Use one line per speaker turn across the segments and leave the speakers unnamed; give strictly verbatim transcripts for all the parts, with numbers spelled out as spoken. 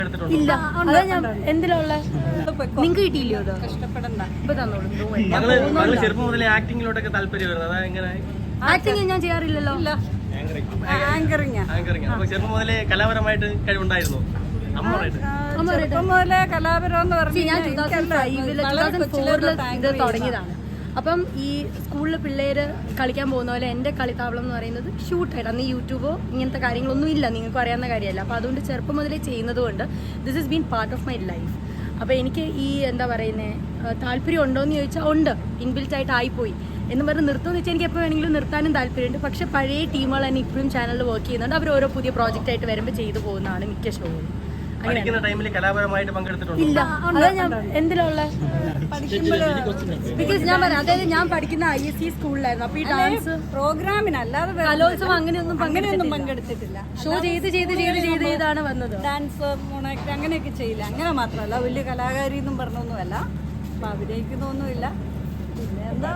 ഇല്ല അതാ ഞാൻ എന്തിലുള്ള നിങ്ങൾക്ക് കിട്ടിയില്ലയോ അത്
കഷ്ടപ്പെടണ്ട
ഇപ്പൊ തന്നോളൂ
ചെറുപ്പം മുതലേ ആക്ടിങ്ങിലോട്ടൊക്കെ താല്പര്യം
ആക്ടിങ് ഞാൻ ചെയ്യാറില്ലല്ലോ
ആങ്കറിങ്
ആങ്കറിങ് അപ്പൊ ചെറുപ്പം മുതലേ കലാപരമായിട്ട് കഴിവുണ്ടായിരുന്നു അമ്മമായിട്ട്
ചെറുപ്പം മുതലേ കലാപരം എന്ന്
See, ഞാൻ ടൂ തൗസൻഡ്
പറഞ്ഞാൽ
ഫൈവില് ടൂ തൗസൻഡ് ഫോറില് ഇത് തുടങ്ങിയതാണ്. അപ്പം ഈ സ്കൂളിൽ പിള്ളേര് കളിക്കാൻ പോകുന്ന പോലെ എൻ്റെ കളിത്താവളം എന്ന് പറയുന്നത് ഷൂട്ടായിട്ട് അന്ന് യൂട്യൂബോ ഇങ്ങനത്തെ കാര്യങ്ങളൊന്നും ഇല്ല, നിങ്ങൾക്ക് അറിയാവുന്ന കാര്യമല്ല. അപ്പോൾ അതുകൊണ്ട് ചെറുപ്പം മുതലേ ചെയ്യുന്നത് കൊണ്ട് this is been part of my life. അപ്പോൾ എനിക്ക് ഈ എന്താ പറയുന്നത് താല്പര്യം ഉണ്ടോ എന്ന് ചോദിച്ചാൽ ഉണ്ട്, ഇൻബിൽറ്റ് ആയിട്ട് ആയിപ്പോയി എന്ന് പറഞ്ഞ് നിർത്തുമെന്ന് വെച്ചാൽ എനിക്ക് എപ്പോൾ വേണമെങ്കിലും നിർത്താനും താല്പര്യമുണ്ട്. പക്ഷേ പഴയ ടീമുകൾ തന്നെ ഇപ്പോഴും ചാനലിൽ വർക്ക് ചെയ്യുന്നുണ്ട്. അവർ ഓരോ പുതിയ പ്രോജക്റ്റ് ആയിട്ട് വരുമ്പോൾ ചെയ്തു പോകുന്നതാണ് മിക്ക ഷോകളും.
പഠിക്കുന്ന ടൈമിൽ കലാപരമായിട്ട് പങ്കെടുത്തിട്ടുണ്ട്
ഇല്ല അതാ ഞാൻ എന്തിലുള്ള ബിക്കോസ് ഞാൻ പറയാം, അതായത് ഞാൻ പഠിക്കുന്ന ഐ എസ് സി സ്കൂളിലായിരുന്നു. അപ്പൊ ഈ ഡാൻസ്
പ്രോഗ്രാമിന് അല്ലാതെ
കലോത്സവം അങ്ങനെയൊന്നും
അങ്ങനെയൊന്നും പങ്കെടുത്തിട്ടില്ല.
ഷോ ചെയ്ത് ചെയ്ത് ചെയ്ത് ചെയ്ത് ചെയ്താണ് വന്നത്.
ഡാൻസ് മോണാക്ട് അങ്ങനെയൊക്കെ ചെയ്യില്ല. അങ്ങനെ മാത്രമല്ല വലിയ കലാകാരി എന്നും പറഞ്ഞൊന്നുമല്ല. അപ്പൊ അഭിനയിക്കുന്നൊന്നുമില്ല. പിന്നെ എന്താ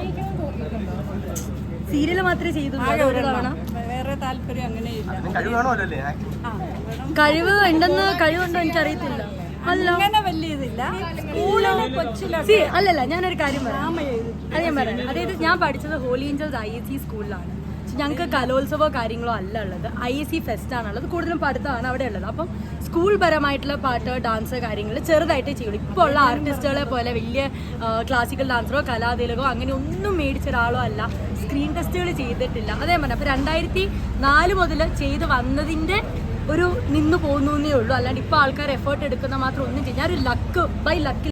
സീരിയല് മാത്രമേ ചെയ്തു ഒരു തവണ.
വേറെ താല്പര്യം അങ്ങനെയില്ല.
കഴിവ് ഉണ്ടെന്ന് കഴിവുണ്ടോ എനിക്കറിയത്തില്ല. അല്ല
അങ്ങനെ വലിയ ഇതില്ല. സ്കൂളിലെ കൊച്ചിലെ
സി അല്ലല്ല ഞാനൊരു കാര്യം പറയാം, അത് ഞാൻ പറയാം. അതായത് ഞാൻ പഠിച്ചത് Holy Angels I S C സ്കൂളിലാണ്. ഞങ്ങൾക്ക് കലോത്സവമോ കാര്യങ്ങളോ അല്ല ഉള്ളത്, ഐ എസ് സി ഫെസ്റ്റ് ആണുള്ളത്. കൂടുതലും പഠിത്തമാണ് അവിടെ ഉള്ളത്. അപ്പം സ്കൂൾ പരമായിട്ടുള്ള പാട്ട് ഡാൻസ് കാര്യങ്ങൾ ചെറുതായിട്ടേ ചെയ്യുള്ളൂ. ഇപ്പോൾ ഉള്ള ആർട്ടിസ്റ്റുകളെ പോലെ വലിയ ക്ലാസിക്കൽ ഡാൻസറോ കലാതിലകോ അങ്ങനെ ഒന്നും മേടിച്ച ഒരാളോ അല്ല. സ്ക്രീൻ ടെസ്റ്റുകൾ ചെയ്തിട്ടില്ല. അതേ പറഞ്ഞ അപ്പോൾ രണ്ടായിരത്തി നാല് മുതൽ ചെയ്ത് വന്നതിൻ്റെ ഒരു നിന്ന് പോകുന്നേ ഉള്ളൂ. അല്ലാണ്ട് ഇപ്പോൾ ആൾക്കാർ എഫേർട്ട് എടുക്കുന്ന മാത്രം ഒന്നും ചെയ്യും. ഞാനൊരു ലക്ക് ബൈ ലക്ക്